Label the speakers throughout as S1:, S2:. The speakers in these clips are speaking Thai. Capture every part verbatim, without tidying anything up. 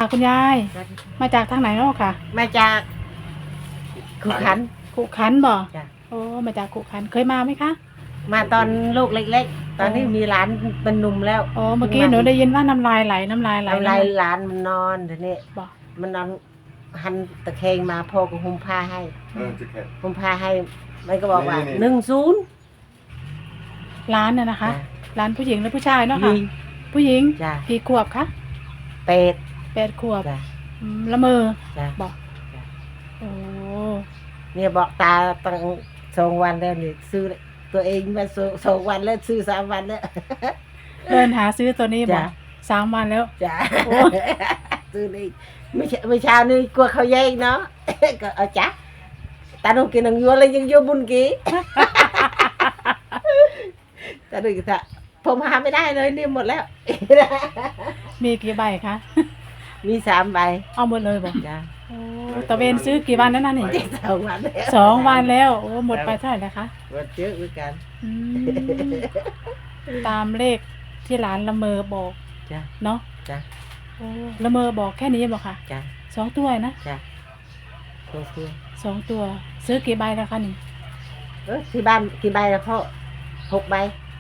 S1: คุณยายมาจากทางไหนเนาะค่ะ
S2: มาจากขุขัน
S1: ขุขันบ่
S2: จ้ะ
S1: โอ้มาจากขุขันเคยมาไหมคะ
S2: มาตอนลูกเล็กๆตอนนี้มีหลานเป็นหนุ่มแล้ว
S1: อ๋อเมื่อกี้หนูได้ยินว่าน้ำลายไหลน้ำลายไหล
S2: น้ำลายหลานมันนอนทีนี้
S1: บ่
S2: มันนอนหันตะแคงมาพ่อก็หุ้มผ้าให้หุ้มผ้าให้มันก็บอกว่าหนึ่งศูนย์
S1: ร้านน่ะนะคะร้านผู้หญิงหรือผู้ชายเนาะค่ะผู้หญิงกี่ขวบคะ
S2: แปด
S1: แปดขวบละเมอบอกโอ้
S2: เนี่ยบอกตาตั้งสองวันแล้วนี่ซื้อตัวเองมาสองวันแล้วซื้อสามวันแล้ว
S1: เดินหาซื้อตัวนี้บอกสามวันแล้ว
S2: จ้าซื้อนี่ไม่ใช่ไม่เช้านี่กลัวเขาแย่งเนาะก็เอาจ้ะตาหนูกินหนังยัวเลยยังยัวบุญกี้ตาหนูกินอะผมหาไม่ได้เลยนี่หมดแล้ว
S1: มีกี่ใบคะ
S2: มีสามใบ
S1: เอาหมดเลยบอก
S2: จ้า
S1: ตะเวนซื้อกี่วันแล้วนั่นนี่
S2: สองวันแล้ว
S1: สองวันแล้วโอ้หมดไปเท่าไหร่นะคะ
S2: หมดเยอะเหมือนกัน
S1: ตามเลขที่ร้านละเมอบอก
S2: จ้ะ
S1: เนาะ
S2: จ้ะ
S1: โอ้ละเมอบอกแค่นี้บอกค่ะ
S2: จ้ะ
S1: สองตัวนะ
S2: จ้ะสองตัว
S1: สองตัวซื้อกี่ใบแล้วคะนี่
S2: เออที่บ้านกี่ใบแล้วพ่อหกใบ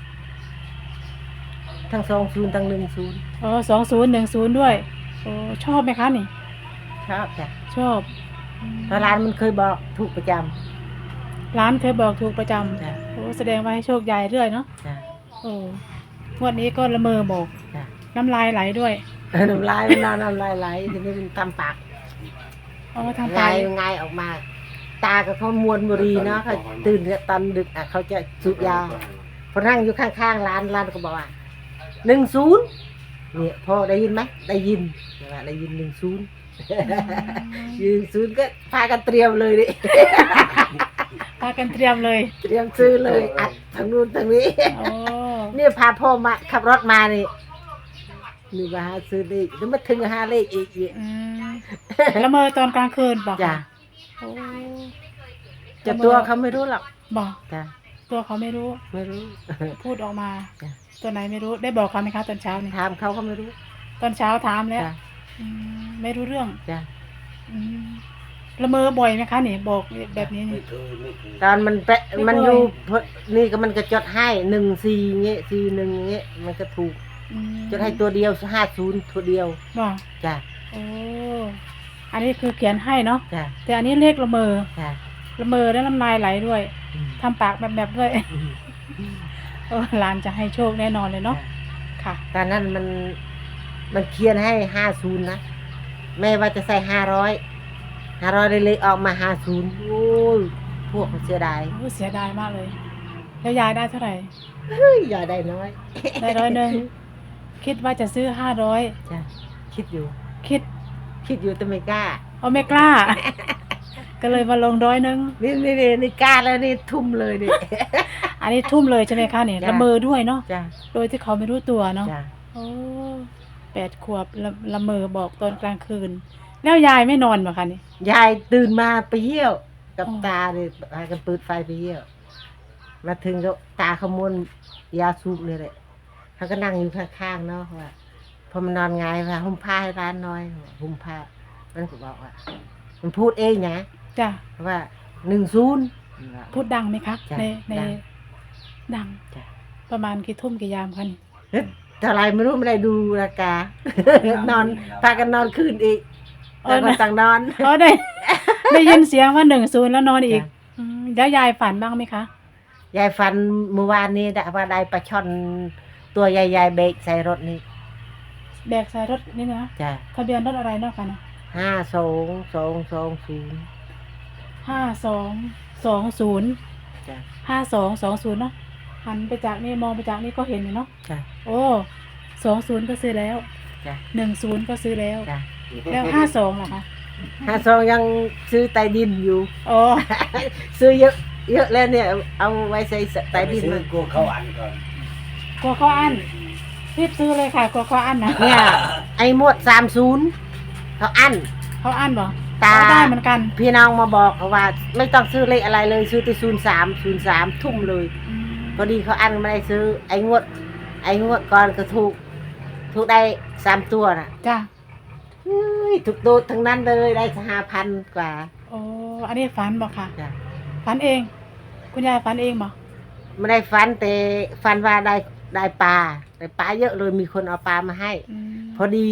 S2: ทั้งสองศูนย์ทั้งหนึ่งศูนย์
S1: อ๋อสองศูนย์หนึ่งศูนย์ด้วยโอ้ชอบไหมคะนี่
S2: ชอบจ้ะ
S1: ชอบ
S2: เพราะร้านมันเคยบอกถูกประจำ
S1: ร้านเคยบอกถูกประจำจ้ะโอ้แสดงว่าให้โชคใหญ่เรื่อยเนาะ
S2: จ้ะ
S1: โอ้งวดนี้ก็ละเมอบอก
S2: จ้ะ
S1: น้ำลายไหลด้วย
S2: น้ำลายมันนอนน้ำลายไหลทีนี้มันทำปาก
S1: อ๋อทำปาก
S2: ไงออกมาตากับเขามวนบุรีเนาะเขาตื่นตอนดึกอ่ะเขาจะสูบยาพอนั่งอยู่ข้างๆร้านร้านก็บอกว่าหนึ่งศูนย์เนี่ยพ่อได้ยินไหมได้ยินได้ยินหนึ่งศูนย์ยืนศูนย์ก็พากันเตรียมเลยดิ
S1: พากันเตรียมเลย
S2: เตรียมซื้อเลยอัดทางนู้นทางนี้นี่พาพ่อมาขับรถมานี่นี่มาหาซื้อเลขแล้วมาถึงหาเลขอีกอีก
S1: ละเมอตอนกลางคืนบอก
S2: จ้ะจะตัวเขาไม่รู้หรอก
S1: บอกจ้ะตัวเขาไม่รู้
S2: ไม่รู้
S1: พูดออกมาตัวไหนไม่รู้ได้บอกเขาไหมคะตอนเช้านี่
S2: ถามเขาเขาไม่รู้
S1: ตอนเช้าถามแล้วไม่รู้เรื่อง
S2: จ้ะ
S1: ละเมอบ่อยไหมคะนี่บอกแบบนี้นี่
S2: ตอนมันเป๊ะมันอยู่นี่ก็มันก็จดให้หนึ่งสี่เงี้ยสี่หนึ่งเงี้ยมันก็ถูกจดให้ตัวเดียวห้าศูนย์ตัวเดียว
S1: บอก
S2: จ้ะ
S1: โอ้อันนี้คือเขียนให้เนาะ
S2: จ้ะ
S1: แต่อันนี้เลขละเมอ
S2: จ้ะ
S1: ละเมอแล้วน้ำลายไหลด้วยทำปากแบบแบบด้วยเออหลานจะให้โชคแน่นอนเลยเนาะค่ะ
S2: ตอนนั้นมันมันเขียนให้ห้าศูนย์นะแม่ว่าจะใส่ห้าร้อยห้าร้อยเลยออกมาห้าศูนย์โอ้ยพวกเสียดาย
S1: โอ้เสียดายมากเลยแล้วยายได้เท่าไหร่
S2: เฮ้ยยายได้น้อย
S1: ได้ร้อยหนึ่งคิดว่าจะซื้อห้าร้อย
S2: จ้ะคิดอยู่
S1: คิด
S2: คิดอยู่แต่ไม่กล้า
S1: เอาไม่กล้าก็เลยมาลงร้อยหนึ่ง
S2: นี่นี่นี่นี่กล้าแล้วนี่ทุ่มเลยนี่
S1: อันนี้ทุ่มเลยใช่ไหมคะเนี่ยละเมอด้วยเนาะ
S2: จ้ะ
S1: โดยที่เขาไม่รู้ตัวเนาะ
S2: จ้ะ
S1: โอ้แปดขวบละละเมอบอกตอนกลางคืนแล้วยายไม่นอนเหรอคะนี่
S2: ยายตื่นมาไปเยี่ยวกับตาเลยพากันเปิดไฟไปเยี่ยวมาถึงก็ตาขมวนยาสูบเลยแหละเขาก็นั่งอยู่ข้างๆเนาะว่าพอมันนอนไงว่าหุ้มผ้าให้ร้านน้อยหุ้มผ้ามันก็บอกว่ามันพูดเองนะ
S1: จ้ะ
S2: ว่าหนึ่งศูนย์
S1: พูดดังไหมคะในในดังประมาณกี่ทุ่มกี่ยามคะนี่
S2: เท่าไรไม่รู้ไม่ได้ดูราคานอนพากันนอนคืนอีกต่างคนต่างนอน
S1: อ๋อได้ได้ยินเสียงว่าหนึ่งศูนย์แล้วนอนอีกแล้วยายฝันบ้างไหมคะ
S2: ยายฝันเมื่อวานนี้ได้ว่าได้ปลาช่อนตัวใหญ่ๆเบรกใส่รถนี่
S1: แบกใส่รถนี่นะ
S2: จ้ะ
S1: ทะเบียนรถอะไรเนาะคะนะ
S2: ห้าสองสองสองศูนย์
S1: ห้าสองสองศูนย์
S2: จ้ะ
S1: ห้าสองสองศูนย์เนาะหันไปจากนี่มองไปจากนี่ก็เห็นอยู่เนาะ
S2: จ้ะ
S1: โอ้สองศูนย์ก็ซื้อแล้ว
S2: จ้ะ
S1: หนึ่งศูนย์ก็ซื้อแล้ว
S2: จ้ะ
S1: แล้วห้าสองล่ะคะ
S2: ห้าสองยังซื้อใต้ดินอยู่
S1: โอ้
S2: ซื้อเยอะเยอะแล้วเนี่ยเอาไว้ใส่ใต้ดิน
S3: มันกลัวเขาอันก่อน
S1: กลัวเขาอันรีบซื้อเลยค่ะกลัวเขาอันนะ
S2: เนี่ยไอ้หมวดสามศูนย์เขาอัน
S1: เขาอันบ่
S2: ตา
S1: ได้เหมือนกัน
S2: พี่น้องมาบอกว่าไม่ต้องซื้อเลขอะไรเลยซื้อที่ศูนย์สามศูนย์สามทุ่มเลยพอดีเขาอันไม่ได้ซื้อไอ้งวดไอ้งวดก่อนก็ถูกถูกได้สามตัวน่ะ
S1: จ้ะ
S2: เฮ้ยถูกโดดทั้งนั้นเลยได้ห้าพันกว่า
S1: โอ้อันนี้ฝันบอกค่ะ
S2: จ้ะ
S1: ฝันเอง คุณยายฝันเองบอก
S2: ไม่ได้ฟันแต่ฟันว่าได้ได้ปลาได้ปลาเยอะเลยมีคนเอาปลามาให้
S1: อืม
S2: พอดี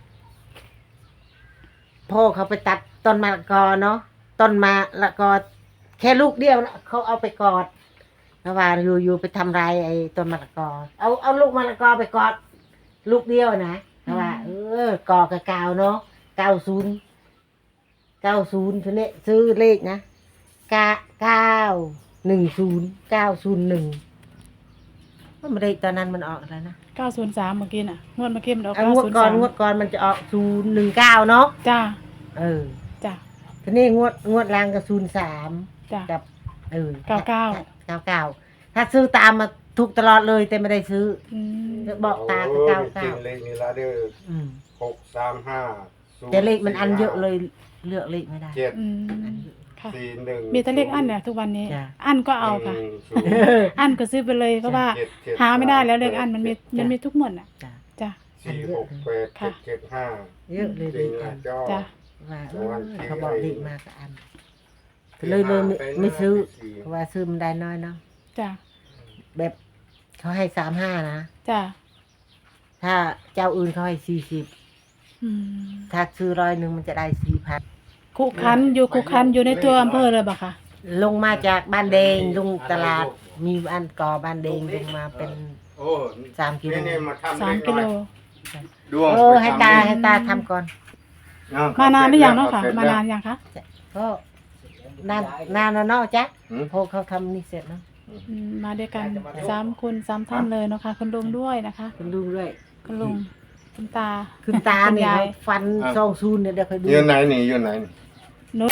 S2: พ่อเขาไปตัดต้นมะละกอเนาะต้นมะละกอแค่ลูกเดียวนะเขาเอาไปกอดแล้วว่าอยู่อยู่ไปทำลายไอ้ต้นมะละกอ เอาเอาลูกมะละกอไปกอด ลูกเดียวนะแล้วว่า เออกอกับกาวเนาะเก้าศูนย์เก้าศูนย์ทีนี้ซื้อเลขนะเก้าเก้าหนึ่งศูนย์เก้าศูนย์หนึ่งว่ามันได้ตอนนั้นมันออกอะไรนะ
S1: เก้าศูนย์สามเมื่อกี้น่ะงวดเมื่อกี้มันออก
S2: เอา
S1: เก้าง
S2: วด
S1: ศูนย์
S2: ก่อ
S1: สาน ม
S2: งวดก่อนมันจะออกศูนย์หนึ่งเก้าเนาะ
S1: จ้า
S2: เออ
S1: จ้า
S2: ทีนี้งวดงวดล่างก็ศูนย์สาม
S1: จ้า
S2: กับเออ
S1: เก้าเก้า
S2: เก้าเก้าถ้าซื้อตามมาถูกตลอดเลยแต่ไม่ได้ซื้อ
S1: อืม
S2: บอกตาก็เก้า
S3: จริ
S2: เก้าง
S3: เลขนี้ละเด้อ
S2: อืม
S3: หกสามห้า
S2: แต่เลขมันอันเยอะเลยเลือกเลขไม่ได้
S3: เจ็ด
S1: อื
S2: อัน
S1: ม
S2: เยอะ
S1: ค่ะ
S3: สี่หนึ่ง
S1: มีแต่เลขอันเนี่ยทุกวันนี้
S2: จ้ะ
S1: อันก็เอาค่ะ
S3: หนึ่งศูนย์
S1: อันก็ซื้อไปเลยเพราะว่า
S3: เจ็ดเจ็ด
S1: หาไม่ได้แล้วเลขอันมันมี
S2: จ้ะ
S1: มันมีทุกหมดอ่ะ
S2: จ้ะ
S1: จ้า
S3: สี่หกแปดเจ็ดเจ็ดห้า
S2: เยอะเลย
S3: จ
S2: เล
S3: ริง
S2: ขอั
S3: นะ
S2: น
S3: จ้อ
S1: จ้ะ
S2: ว่าเอ
S3: โอ้
S2: อย
S3: จริง
S2: เขาบอก
S3: เลย
S2: เลขมากกับอันเลยเลยไม่ไม่ซื้อเพราะว่าซื้อมันได้น้อยเนาะ
S1: จ้า
S2: แบบเขาให้สามห้านะ
S1: จ้า
S2: ถ้าเจ้าอื่นเขาให้สี่สิบ
S1: อืม
S2: ถ้าซื้อร้อยหนึ่งมันจะได้สี่พัน
S1: คุคันอยู่คุคันอยู่ในตัวอำเภอเลยบ่ค่ะ
S2: ลงมาจากบ้านแดงลงตลาด มีอันก่อบ้านแดงลงมาเป็น
S3: โอ้
S2: สามกิโล
S3: นี่นี่มาทำ
S1: สาม
S3: เลข
S1: กิ
S3: ห
S1: โล
S3: น่อยดวง
S2: โอ้ให้ตา
S3: ไปทำ
S2: ให้ตาทำก่อน
S3: เอ
S1: มานานหรือยังเนาะค่ะ
S3: สร็จ
S1: มา
S3: แล้ว
S1: นานยังคะ
S2: ก็นานนานแล้วเนาะจ๊ะ
S3: หืม
S2: พอเขาทำนี่เสร็จเนาะ
S1: อืมมาด้วยกันสามคนสามท่านเลยเนาะค่ะคุณลุงด้วยนะคะ
S2: คุณดูด้วย
S1: คุณลุงคุณตา
S2: คุณตา
S1: คุณ
S2: เนี่ย
S1: ยาย
S2: ฟันซองซูนเนี่ยเดี๋ยวคอยดู
S3: ยืนไหนนี่ยืนไหนนี่
S1: นุช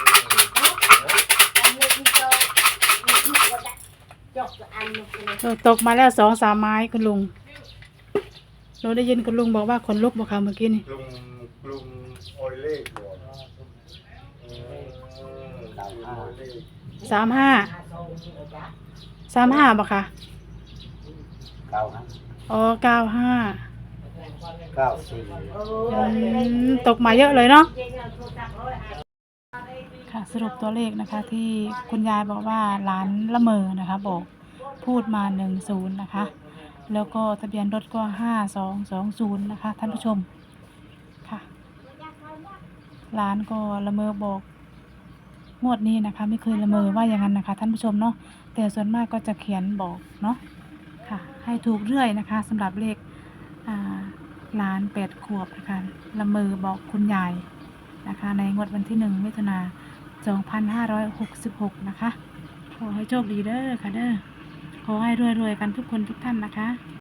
S1: ตกมาแล้วสองสามไม้คุณลุงเราได้ยินคุณลุงบอกว่าคนลุกบอกค่ะเมื่อกี้นี่
S3: ลุงลุงโอยเลขบ่อืมโอยเลข
S1: สามห้าสามห้าบอกค่ะ
S4: เก้าห้า
S1: อ๋อเก้าห้า
S4: เก้าสี่
S1: ตกมาเยอะเลยเนาะค่ะสรุปตัวเลขนะคะ ที่คุณยายบอกว่าหลานละเมอนะคะ บอกพูดมาหนึ่งศูนย์นะคะ แล้วก็ทะเบียนรถก็ห้าสองสองศูนย์นะคะ ท่านผู้ชมค่ะหลานก็ละเมอบอกงวดนี้นะคะ ไม่เคยละเมอว่าอย่างนั้นนะคะ ท่านผู้ชมเนาะแต่ส่วนมากก็จะเขียนบอกเนาะค่ะ ให้ถูกเรื่อยนะคะสำหรับเลขอ่าหลานแปดขวบนะคะละเมอบอกคุณยายนะคะ ในงวดวันที่หนึ่งมิถุนาสองพันห้าร้อยหกสิบหกนะคะขอให้โชคดีเด้อค่ะเด้อขอให้รวยๆกันทุกคนทุกท่านนะคะ